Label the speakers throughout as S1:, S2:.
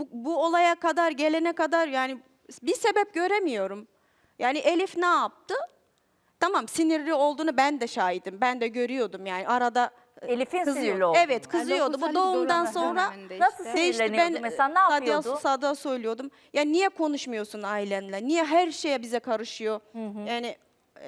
S1: bu olaya kadar gelene kadar yani bir sebep göremiyorum. Yani Elif ne yaptı? Tamam, sinirli olduğunu ben de şahidim. Ben de görüyordum yani arada
S2: Elif'in
S1: kızıyor.
S2: sinirli olduğunu.
S1: Evet, kızıyordu. Bu
S3: Dokuz
S1: doğumdan
S3: aylık
S1: sonra
S3: döneminde
S2: Nasıl
S3: işte.
S2: sinirleniyordu mesela, ne yapıyordu?
S1: Sadık'a söylüyordum. Ya niye konuşmuyorsun ailenle? Niye her şeye bize karışıyor? Yani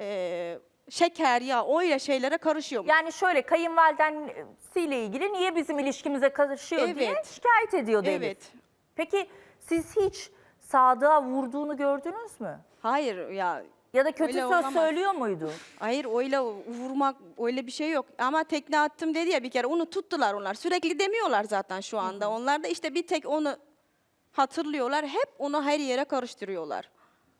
S1: şeker ya öyle şeylere karışıyor mu?
S2: Yani şöyle, kayınvalidensiyle ilgili niye bizim ilişkimize karışıyor diye
S1: Evet.
S2: şikayet ediyordu Elif.
S1: Evet.
S2: Peki siz hiç Sadık'a vurduğunu gördünüz mü?
S1: Hayır ya.
S2: Ya da kötü
S1: Öyle
S2: söz
S1: olamaz.
S2: söylüyor muydu?
S1: Hayır, öyle vurmak öyle bir şey yok. Ama tekne attım dedi ya bir kere, onu tuttular onlar. Sürekli demiyorlar zaten şu anda. Onlar da işte bir tek onu hatırlıyorlar. Hep onu her yere karıştırıyorlar.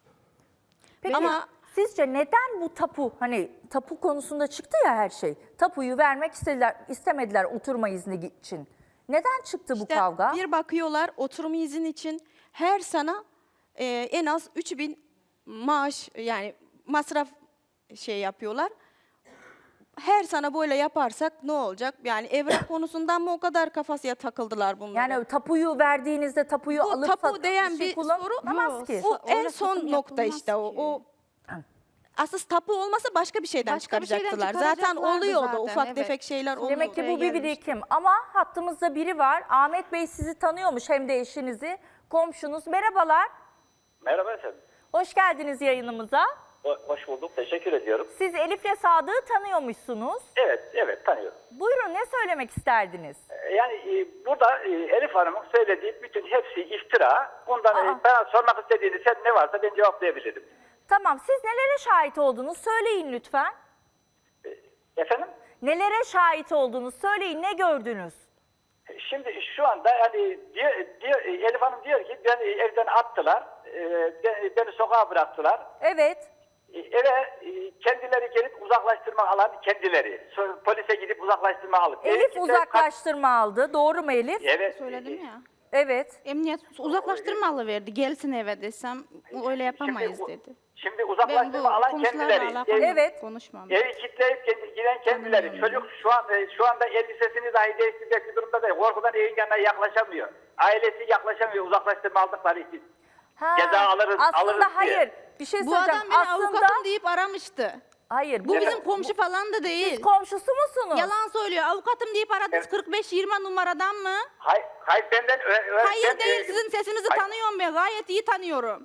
S2: Peki
S1: Ama-
S2: sizce neden bu tapu, hani tapu konusunda çıktı ya her şey. Tapuyu vermek istemediler oturma izni için. Neden çıktı bu
S1: İşte
S2: kavga?
S1: bir bakıyorlar oturum izin için her sene en az 3.000 maaş yani masraf şey yapıyorlar. Her sene böyle yaparsak ne olacak? Yani evrak konusundan mı o kadar kafasıya takıldılar bunlar?
S2: Yani tapuyu verdiğinizde tapuyu
S1: bu
S2: alıp
S1: tapu diyen bir soru
S2: kullanamaz ki.
S1: bu en
S3: Öyle
S1: son
S3: satım
S1: nokta
S3: yapılmaz
S1: işte o.
S3: ki.
S1: O asıl tapu olmasa başka bir şeyden
S3: Başka bir şeyden
S1: çıkaracaktılar. Zaten
S3: çıkaracaklardı
S1: oluyordu
S3: zaten,
S1: ufak
S3: evet.
S1: tefek şeyler oluyordu.
S2: Demek ki bu bir
S3: gelmişti.
S2: birikim. Ama hattımızda biri var. Ahmet Bey sizi tanıyormuş, hem de eşinizi, komşunuz. Merhabalar.
S4: Merhaba efendim.
S2: Hoş geldiniz yayınımıza.
S4: Hoş bulduk. Teşekkür ediyorum.
S2: Siz Elif'le Sadık'ı tanıyormuşsunuz.
S4: Evet tanıyorum.
S2: Buyurun, ne söylemek isterdiniz?
S4: Yani burada Elif Hanım'ın söylediği bütün hepsi iftira. Bundan bana sormak istediğiniz ne varsa ben cevaplayabilirim.
S2: Tamam, siz nelere şahit oldunuz? Söyleyin lütfen.
S4: Efendim?
S2: Nelere şahit oldunuz? Söyleyin, ne gördünüz?
S4: Şimdi şu anda yani Elif Hanım diyor ki beni evden attılar. Beni sokağa bıraktılar.
S2: Evet.
S4: Eve kendileri gelip uzaklaştırma alan kendileri. Polise gidip uzaklaştırma alıp.
S2: Elif uzaklaştırma aldı. Doğru mu Elif?
S4: Evet.
S3: Söyledim ya.
S2: Evet.
S3: Emniyet uzaklaştırma alıverdi. Gelsin eve desem öyle yapamayız dedi.
S4: Şimdi
S3: Ben bu
S4: uzaklaştırma alan
S3: komşularla
S4: kendileri.
S3: alakalı
S2: Evet.
S3: konuşmam.
S4: Evi kilitleyip giden kendileri. Çocuk şu anda elbisesini dahi değiştirecek bir durumda değil. Korkudan evin yanına yaklaşamıyor. Ailesi yaklaşamıyor uzaklaştırma aldıkları için.
S2: Ha,
S4: Ceza alırız
S2: aslında
S4: diye.
S2: hayır. Bir şey
S3: Bu
S2: söyleyeceğim.
S3: adam beni
S2: Aslında
S3: avukatım deyip aramıştı.
S2: hayır.
S3: Bu
S4: Evet.
S3: bizim komşu falan da değil.
S2: Siz komşusu musunuz?
S3: Yalan söylüyor. Avukatım deyip aradınız
S4: Evet.
S3: 45-20 numaradan mı?
S4: Hayır benden...
S3: Hayır değil, sizin sesinizi tanıyorum ben. Gayet iyi tanıyorum.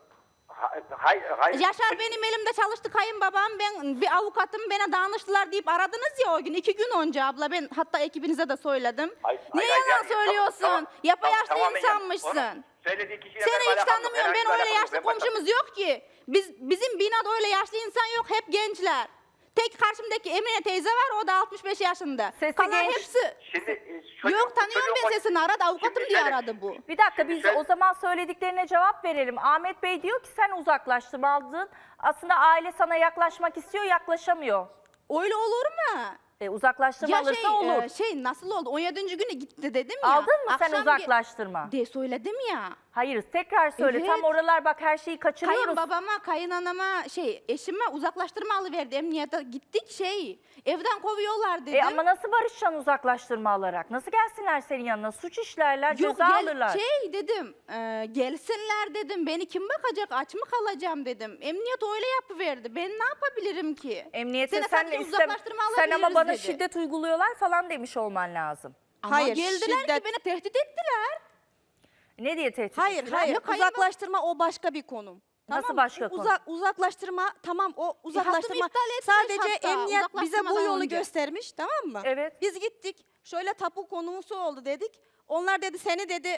S4: Hayır.
S3: Yaşar benim elimde çalıştı kayınbabam. Ben bir avukatım, bana danıştılar deyip aradınız ya o gün. 2 gün önce abla, ben hatta ekibinize de söyledim. Niye yalan söylüyorsun? Yapayaşlı
S4: tamamen
S3: insanmışsın.
S4: Onun söylediği kişiyle
S3: Seni
S4: benim
S3: hiç
S4: alakam yok,
S3: tanımıyorum.
S4: herhangi
S3: Ben
S4: bir
S3: öyle
S4: alakam yok.
S3: yaşlı
S4: Ben başka-
S3: komşumuz yok ki. Bizim binada öyle yaşlı insan yok. Hep gençler. Tek karşımdaki Emine teyze var, o da 65 yaşında.
S2: Sesi
S3: Kalan
S2: genç.
S3: hepsi.
S4: Şimdi
S3: Yok, tanıyorum ben sesini, aradı avukatım
S4: Şimdi
S3: diye
S4: şöyle-
S3: aradı bu.
S2: Bir dakika, biz
S4: şöyle-
S2: o zaman söylediklerine cevap verelim. Ahmet Bey diyor ki sen uzaklaştırma aldın. Aslında aile sana yaklaşmak istiyor, yaklaşamıyor.
S3: Öyle olur mu?
S2: Uzaklaştırma alırsa olur.
S3: Nasıl oldu? 17. günü gitti dedim ya.
S2: Aldın mı sen
S3: Akşam
S2: uzaklaştırma?
S3: De söyledim ya.
S2: Hayır, tekrar söyle.
S3: Evet.
S2: Tam oralar bak, her şeyi kaçırıyoruz.
S3: Kayınbabama, kayınanama, eşime uzaklaştırma alıverdi. Emniyete gittik evden kovuyorlar dedim.
S2: Ama nasıl barışacaksın uzaklaştırma alarak? Nasıl gelsinler senin yanına? Suç işlerler, ceza alırlar.
S3: Dedim, gelsinler dedim. Beni kim bakacak? Aç mı kalacağım dedim. Emniyet öyle yapıverdi. Ben ne yapabilirim ki?
S2: Emniyete
S3: Seni
S2: sen
S3: sadece
S2: de
S3: uzaklaştırma
S2: sen ama
S3: alabiliriz
S2: bana
S3: dedi.
S2: şiddet uyguluyorlar falan demiş olman lazım.
S3: Ama
S1: Hayır,
S3: geldiler
S1: şiddet-
S3: ki beni tehdit ettiler.
S2: Ne diye tehdit
S1: Hayır,
S2: ettiler?
S1: hayır.
S3: Ya kayınbab-
S1: Uzaklaştırma o başka bir konu.
S2: Nasıl başka konu?
S1: Uzaklaştırma tamam, o uzaklaştırma
S3: iptal etmiş
S1: sadece
S3: hatta,
S1: emniyet bize bu
S3: uzaklaştırmadan
S1: yolu
S3: önce.
S1: göstermiş, tamam mı?
S2: Evet.
S1: Biz gittik, şöyle tapu konusu oldu dedik. Onlar dedi seni dedi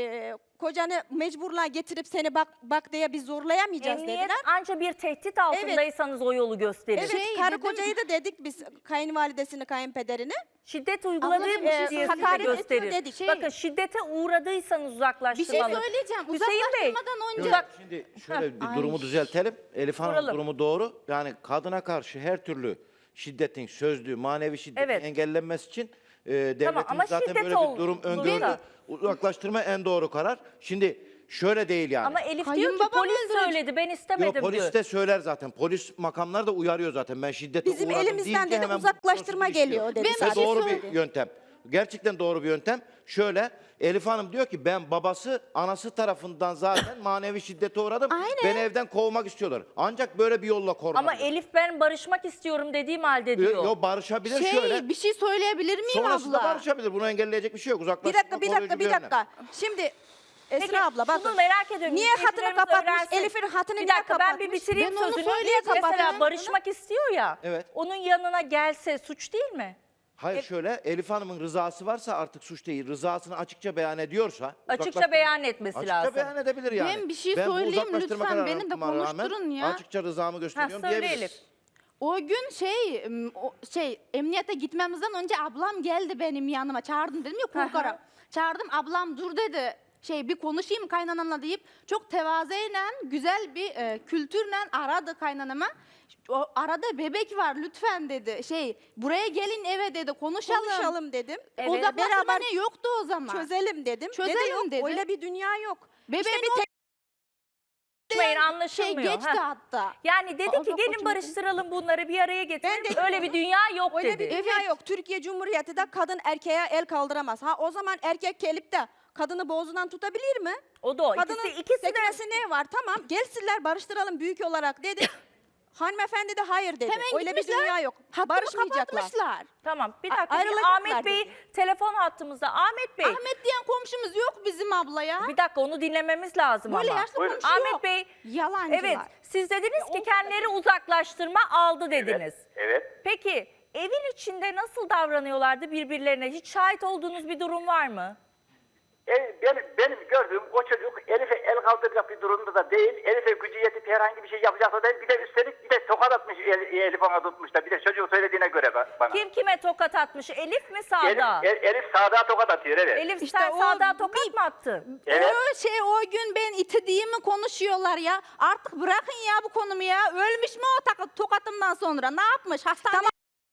S1: kocanı mecburla getirip seni bak diye biz zorlayamayacağız
S2: Emniyet
S1: dediler.
S2: anca bir tehdit altındaysanız o yolu gösterir.
S1: Evet, karı
S3: dedim-
S1: kocayı da dedik biz, kayınvalidesini, kayınpederini.
S2: Şiddet uyguladığı
S3: Abla, bir şey
S2: diye size
S1: hakaret ediyor
S2: gösterir.
S1: dedik.
S2: Bakın, şiddete uğradıysanız
S3: Bir
S2: uzaklaştırma
S3: şey
S2: alın.
S3: söyleyeceğim.
S2: Hüseyin Bey,
S3: Uzaklaştırmadan önce.
S5: Şimdi şöyle bir
S3: Ay.
S5: durumu düzeltelim. Elif Hanım
S2: Soralım.
S5: durumu doğru. Yani kadına karşı her türlü şiddetin, sözlü, manevi şiddetin
S2: Evet.
S5: engellenmesi için devletimiz
S2: ama
S5: zaten
S2: şiddet
S5: böyle bir durum
S2: oldu
S5: öngördü.
S2: da.
S5: Uzaklaştırma en doğru karar. Şimdi şöyle değil yani.
S2: ama Elif diyor ki
S3: Kayınbabam
S2: polis
S3: öldürecek.
S2: söyledi, ben
S5: Yok,
S2: istemedim
S5: polis
S2: diyor.
S5: de söyler zaten. Polis makamlar da uyarıyor zaten. Ben şiddete
S1: Bizim
S5: uğradım
S1: elimizden
S5: deyince
S1: dedi
S5: hemen
S1: uzaklaştırma
S5: prosedür işliyor.
S1: geliyor dedi
S3: Ben
S5: Ve
S3: bir şey
S1: sadece.
S5: doğru
S3: söyleyeyim.
S5: bir yöntem. Gerçekten doğru bir yöntem. Şöyle, Elif Hanım diyor ki ben anası tarafından zaten manevi şiddete uğradım.
S3: Aynen.
S5: Beni evden kovmak istiyorlar. Ancak böyle bir yolla korunabilir.
S2: Ama Elif ben barışmak istiyorum dediğim halde diyor.
S5: Yo, barışabilir şöyle.
S3: Bir şey söyleyebilir miyim
S5: Sonrasında
S3: abla?
S5: barışabilir. Bunu engelleyecek bir şey yok.
S1: Bir
S5: Uzaklaştırma
S1: dakika, bir
S5: koruyucu
S1: dakika, bir
S5: önlem.
S1: dakika. Şimdi
S2: Peki,
S1: Esra abla
S2: şunu
S1: bakın.
S2: merak ediyorum.
S1: Niye hatını
S2: izleyicilerimiz
S1: kapatmış?
S2: öğrensin.
S1: Elif'in hatını
S2: Bir
S1: niye
S2: dakika
S1: kapatmış?
S2: ben bir bitireyim
S3: Ben onu
S2: sözünü.
S3: söyleyeceğim
S2: Mesela
S3: zaten.
S2: barışmak istiyor ya.
S5: Evet.
S2: Onun yanına gelse suç değil mi?
S5: Hayır şöyle, Elif Hanım'ın rızası varsa artık suç değil. Rızasını açıkça beyan ediyorsa.
S2: Açıkça beyan etmesi
S5: Açıkça
S2: lazım.
S5: beyan edebilir yani.
S3: Ben bir şey
S5: bu
S3: söyleyeyim
S5: uzaklaştırma
S3: lütfen,
S5: kararına
S3: beni de
S5: rağmen
S3: konuşturun ya.
S5: Açıkça rızamı
S2: Ha,
S5: gösteriyorum
S2: söyle
S5: diyebilir.
S2: Elif.
S3: O gün emniyete gitmemizden önce ablam geldi benim yanıma. Çağırdım dedim ya, korkarım. Çağırdım, ablam dur dedi. Bir konuşayım kaynananla deyip çok tevazeyle, güzel bir kültürle aradı kaynanama. O arada bebek var lütfen dedi. Buraya gelin eve dedi,
S1: Konuşalım dedim.
S2: Evet.
S3: Uzaklaştırma
S1: Beraber
S3: ne yoktu o zaman.
S1: çözelim dedim.
S3: Çözelim
S1: yok,
S3: dedi.
S1: öyle bir dünya yok.
S3: Bebeğin
S1: İşte bir
S3: o
S2: Konuşmayın, anlaşılmıyor.
S3: geçti
S2: Ha.
S3: hatta.
S2: Yani dedi
S3: Aa,
S2: ki
S3: çok
S2: gelin
S3: hoşuma
S2: barıştıralım bunları bir araya getirelim.
S1: Ben de-
S2: Öyle bir dünya yok
S1: Öyle
S2: dedi.
S1: bir dünya yok. Türkiye Cumhuriyeti de kadın erkeğe el kaldıramaz. Ha o zaman erkek gelip de kadını boğazından tutabilir mi?
S2: O da o.
S1: Kadının
S2: İkisi de
S1: sekmesi ne var? Tamam gelsinler barıştıralım büyük olarak dedi. Hanımefendi de hayır dedi.
S3: Hemen
S1: Öyle bir
S3: gitmişler,
S1: dünya yok.
S3: hattımı
S1: Barışmayacaklar.
S3: kapatmışlar.
S2: Tamam bir dakika. Bir
S1: ayrılacaklar
S2: Ahmet Bey
S1: dedi.
S2: telefon hattımızda. Ahmet Bey.
S3: Ahmet diyen komşumuz yok bizim abla ya.
S2: Bir dakika onu dinlememiz lazım
S3: Böyle
S2: ama.
S3: yaşlı
S4: Buyurun.
S3: komşu yok.
S2: Ahmet Bey.
S3: Yalancılar.
S2: Evet siz dediniz ki kendileri uzaklaştırma aldı dediniz.
S4: Evet.
S2: Peki evin içinde nasıl davranıyorlardı birbirlerine? Hiç şahit olduğunuz bir durum var mı?
S4: Benim gördüğüm o çocuk Elif'e el kaldıracak bir durumda da değil. Elif'e gücü yetip herhangi bir şey yapacaksa değil. Bir de üstelik bir de tokat atmış Elif ona tutmuş da. Bir de çocuğun söylediğine göre bana.
S2: Kim kime tokat atmış? Elif mi Sağda?
S4: Elif sağda tokat atıyor evet.
S2: Elif
S3: İşte
S2: sen
S3: o
S2: Sağda tokat mı attın?
S4: Evet.
S3: O gün ben itediğimi konuşuyorlar ya. Artık bırakın ya bu konumu ya. Ölmüş mü o tokatımdan sonra? Ne yapmış? Hastanede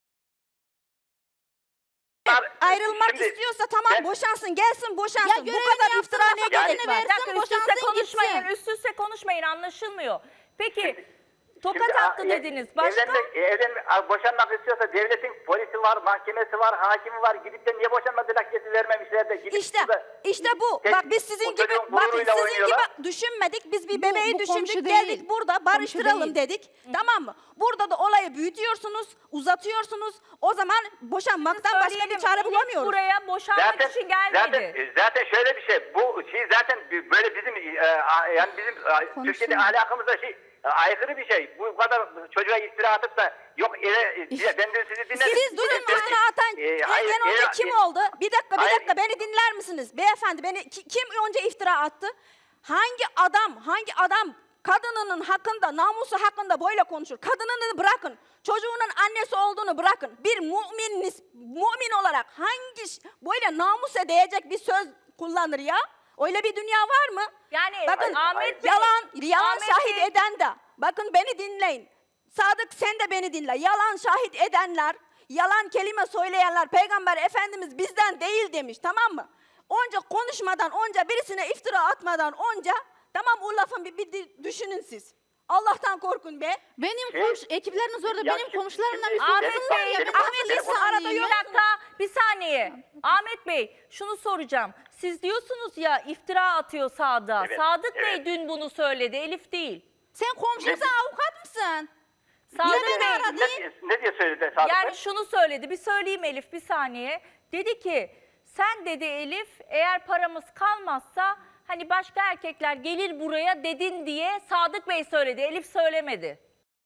S1: Ayrılmak
S4: Şimdi
S1: istiyorsa tamam
S4: ben-
S1: boşansın gelsin boşansın.
S3: Ya
S1: Bu
S3: görevini
S1: kadar
S3: yapsın,
S1: iftira ne
S3: nafakasını
S1: gerek var?
S3: versin,
S2: Bir dakika üst üste
S3: boşansın
S2: konuşmayın.
S3: gitsin.
S2: Üst üste konuşmayın anlaşılmıyor. Peki tokat
S4: Şimdi,
S2: attı dediniz. Başka?
S4: Boşanmak istiyorsa devletin polisi var, mahkemesi var, hakimi var. Gidip de niye boşanma dilekçesi vermemişler de. Gidip
S1: İşte
S4: burada-
S1: işte bu.
S4: Tek-
S1: Bak biz sizin
S4: bu
S1: gibi
S4: çocuğun
S1: bakın
S4: gururuyla
S1: sizin
S4: oynuyorlar.
S1: gibi düşünmedik. Biz bir bebeği
S3: bu komşu
S1: düşündük
S3: değil.
S1: geldik burada
S3: Komşu
S1: barıştıralım
S3: değil.
S1: dedik. Tamam mı? Burada da olayı büyütüyorsunuz, uzatıyorsunuz. O zaman boşanmaktan başka bir
S2: Söyleyelim,
S1: çare
S2: Elif
S1: bulamıyoruz.
S2: buraya boşanmak için gelmedi.
S4: Zaten şöyle bir şey. Bu şey zaten böyle bizim yani bizim Türkiye'de ahlakamızda aykırı bir şey. Bu kadar çocuğa iftira atıp da yok ben de sizi dinledim.
S1: Siz durun üstüne atan en önce kim oldu? Bir dakika
S4: Hayır.
S1: beni dinler misiniz? Beyefendi kim önce iftira attı? Hangi adam kadınının hakkında, namusu hakkında böyle konuşur? Kadınını bırakın. Çocuğunun annesi olduğunu bırakın. Bir mümin olarak böyle namusa değecek bir söz kullanır ya? Öyle bir dünya var mı?
S2: Yani
S1: Bakın
S2: Ahmet Bey,
S1: yalan
S2: Ahmet
S1: şahit
S2: Bey-
S1: eden de. Bakın beni dinleyin. Sadık sen de beni dinle. Yalan şahit edenler, yalan kelime söyleyenler Peygamber Efendimiz bizden değil demiş, tamam mı? Onca konuşmadan, onca birisine iftira atmadan onca tamam o lafın bir düşünün siz. Allah'tan korkun be.
S3: Benim ekipleriniz orada,
S4: Ya
S3: benim
S4: şimdi-
S3: komşularımdan
S4: şimdi-
S2: Ahmet
S3: üstüne
S2: Bey,
S3: ya.
S4: benim-
S3: Ben
S4: benim-
S3: Ahmet'in
S4: benim-
S3: arada
S2: Bir
S3: yok.
S2: dakika, bir saniye. Ahmet Bey, şunu soracağım. Siz diyorsunuz ya iftira atıyor Sadık'a.
S4: Evet,
S2: Sadık Bey
S4: evet.
S2: dün bunu söyledi, Elif değil.
S3: Sen komşumuza avukat mısın?
S2: Sadık
S3: beni
S2: Bey,
S3: aradın?
S4: Ne diye söyledi Sadık Bey?
S2: yani şunu söyledi, bir söyleyeyim Elif bir saniye. Dedi ki, sen dedi Elif, eğer paramız kalmazsa hani başka erkekler gelir buraya dedin diye Sadık Bey söyledi, Elif söylemedi.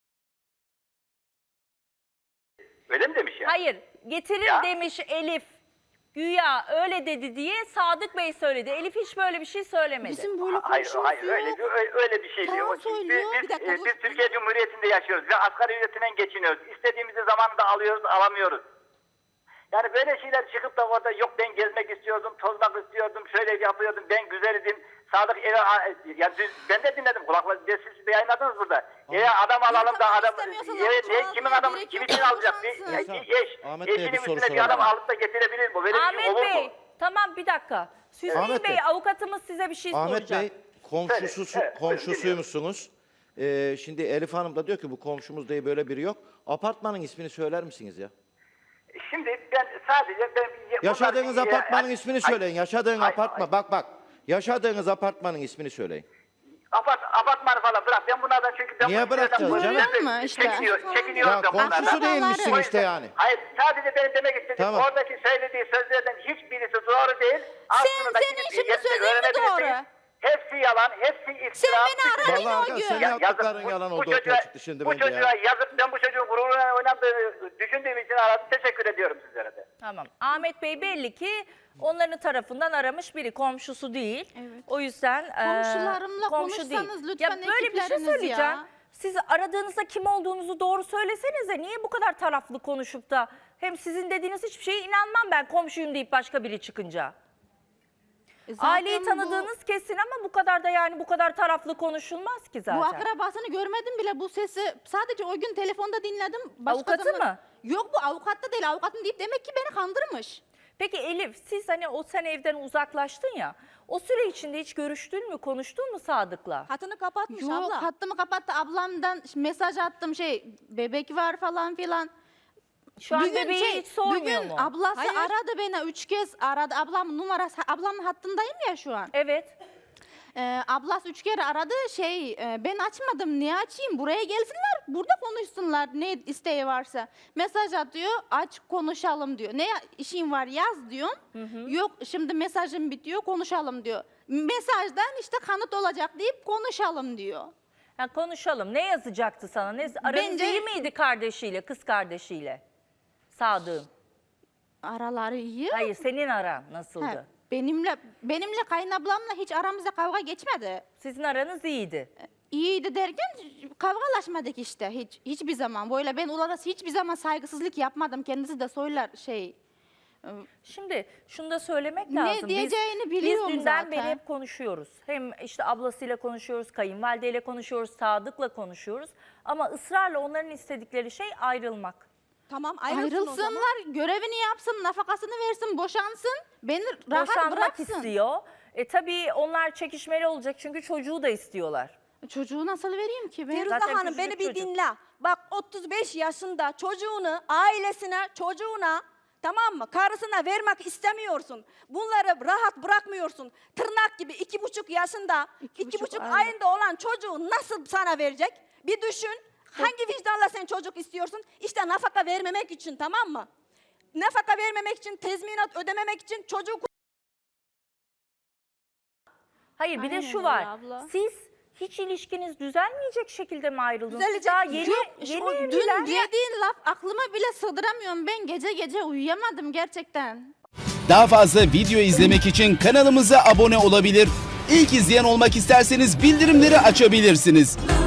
S4: Öyle mi demiş ya?
S2: Hayır, getirir
S4: Ya.
S2: demiş Elif. Güya öyle dedi diye Sadık Bey söyledi. Elif hiç böyle bir şey söylemedi.
S3: Bizim böyle
S4: Hayır,
S3: komşumuz
S4: hayır
S3: yok.
S4: öyle bir şey değil.
S3: Yalan
S4: O-
S3: söylüyor.
S4: Biz,
S3: Bir dakika, dur.
S4: biz Türkiye Cumhuriyeti'nde yaşıyoruz ve asgari ücretinden geçiniyoruz. İstediğimizi zamanında alıyoruz, alamıyoruz. Yani böyle şeyler çıkıp da orada yok ben gezmek istiyordum, tozmak istiyordum, şöyle yapıyordum, ben güzel idim. Sadık eve, yani ben de dinledim kulakla, siz de yayınladınız burada. Adam alalım da
S3: tamam,
S4: adam,
S3: istemiyorsan
S4: kimin
S3: almaya
S4: adamı,
S3: gerek
S4: kim
S3: yok,
S4: için alacak?
S3: boşansın.
S5: Ahmet Bey'e bir
S4: Eşinin
S5: soru
S4: üstüne bir adam
S5: soralım.
S4: alıp da getirebilir mi? Böyle bir şey
S2: Ahmet
S4: olur
S2: Bey,
S4: mu?
S2: tamam bir dakika. Hüseyin
S5: Ahmet
S2: Bey,
S5: Bey.
S2: avukatımız size bir şey
S5: Ahmet
S2: soracak.
S5: Bey komşusuymuşsunuz. Şimdi Elif Hanım da diyor ki bu komşumuz diye böyle biri yok. Apartmanın ismini söyler misiniz ya?
S4: Şimdi ben sadece
S5: Yaşadığınız
S4: bunlar-
S5: apartmanın ismini
S4: Ay-
S5: söyleyin. Yaşadığın
S4: Ay-
S5: apartman. Bak. Yaşadığınız apartmanın ismini söyleyin.
S4: Apartmanı falan bırak. Ben bunlardan çünkü ben
S5: Niye
S4: bu işlerden
S5: bırakacağız
S4: bu
S5: canım?
S4: işlerden
S3: Görüyor musun işte?
S4: çekiniyorum
S5: Ya
S4: ben bunlardan.
S5: komşusu değilmişsin
S4: O yüzden-
S5: işte yani.
S4: Hayır, sadece benim demek istediğim
S5: Tamam.
S4: oradaki söylediği sözlerden hiçbirisi doğru değil.
S3: senin şimdi sözün mü doğru?
S4: Hepsi yalan, hepsi iftira.
S3: Sen beni aradın
S5: Vallahi
S3: o
S5: arkadaş,
S3: gün.
S5: senin yaptıkların yalan olduğu ortaya çıktı şimdi
S4: bu
S5: bence
S4: çocuğa
S5: ya.
S4: yazıp ben bu çocuğun gururuna oynandığını düşündüğüm için aradım. Teşekkür ediyorum sizlere de.
S2: Tamam. Ahmet Bey belli ki onların tarafından aramış biri. Komşusu değil.
S3: Evet.
S2: O yüzden
S3: Komşularımla
S2: komşu
S3: konuşsanız
S2: değil.
S3: lütfen,
S2: Ya böyle bir şey
S3: ekipleriniz
S2: söyleyeceğim.
S3: ya.
S2: Siz aradığınızda kim olduğunuzu doğru söylesenize. Niye bu kadar taraflı konuşup da hem sizin dediğiniz hiçbir şeye inanmam ben komşuyum deyip başka biri çıkınca.
S3: Zaten
S2: Aileyi tanıdığınız kesin ama bu kadar da yani bu kadar taraflı konuşulmaz ki zaten.
S3: Bu akrabasını görmedim bile, bu sesi sadece o gün telefonda dinledim.
S2: Avukatı mı?
S3: Yok, bu avukat da değil, avukatım deyip demek ki beni kandırmış.
S2: Peki Elif, siz hani o sen evden uzaklaştın ya, o süre içinde hiç görüştün mü, konuştun mu Sadık'la?
S1: Hatını kapatmış
S3: Yok,
S1: abla.
S3: hattımı kapattı, ablamdan mesaj attım, bebek var falan filan.
S2: Şu an bebeği hiç sormuyor
S3: bugün
S2: mu?
S3: ablası
S1: Hayır.
S3: aradı beni 3 kez aradı, ablamın numarası, ablamın hattındayım ya şu an.
S2: Evet.
S3: Ablası 3 kere aradı, ben açmadım, niye açayım, buraya gelsinler, burada konuşsunlar, ne isteği varsa. Mesaj atıyor, aç konuşalım diyor. Ne işin var yaz diyorum. Yok şimdi mesajım bitiyor, konuşalım diyor. Mesajdan işte kanıt olacak deyip konuşalım diyor.
S2: Ha, konuşalım. Ne yazacaktı sana? Aranız
S3: Bence-
S2: iyi miydi kardeşiyle, kız kardeşiyle? Sadık'ın.
S3: Araları iyi.
S2: Hayır, senin aran nasıldı?
S3: Ha, benimle kayınablamla hiç aramızda kavga geçmedi.
S2: Sizin aranız iyiydi.
S3: İyiydi derken kavgalaşmadık işte hiçbir zaman. Böyle ben onlara hiçbir zaman saygısızlık yapmadım. Kendisi de söyler
S2: Şimdi şunu da söylemek
S3: Ne
S2: lazım.
S3: diyeceğini biliyorum
S2: Biz dünden
S3: zaten.
S2: beri hep konuşuyoruz. Hem işte ablasıyla konuşuyoruz, kayınvalideyle konuşuyoruz, Sadık'la konuşuyoruz. Ama ısrarla onların istedikleri şey ayrılmak.
S1: Tamam ayrılsın o zaman.
S3: Ayrılsınlar, görevini yapsın, nafakasını versin, boşansın. Beni rahat
S2: Boşanmak
S3: bıraksın.
S2: istiyor. Tabii onlar çekişmeli olacak çünkü çocuğu da istiyorlar.
S3: Çocuğu nasıl vereyim ki ben?
S1: Firuze
S2: Zaten
S1: Hanım
S2: küçücük
S1: beni bir
S2: çocuk.
S1: dinle. Bak 35 yaşında çocuğunu, ailesine, çocuğuna, tamam mı, karısına vermek istemiyorsun. Bunları rahat bırakmıyorsun. Tırnak gibi 2,5 yaşında, 2,5
S3: aylık.
S1: ayında olan çocuğu nasıl sana verecek? Bir düşün. Hangi vicdanla sen çocuk istiyorsun? İşte nafaka vermemek için, tamam mı? Nafaka vermemek için, tezminat ödememek için çocuğu...
S2: Hayır bir de
S3: Aynen
S2: şu
S3: öyle
S2: var.
S3: abla.
S2: Siz hiç ilişkiniz düzelmeyecek şekilde mi ayrıldınız? Siz
S1: Düzelecek.
S2: daha yeni,
S3: Yok,
S2: yeni
S3: o
S2: evliler.
S3: dün dediğin laf aklıma bile sığdıramıyorum. Ben gece uyuyamadım gerçekten.
S6: Daha fazla video izlemek için kanalımıza abone olabilir. İlk izleyen olmak isterseniz bildirimleri açabilirsiniz.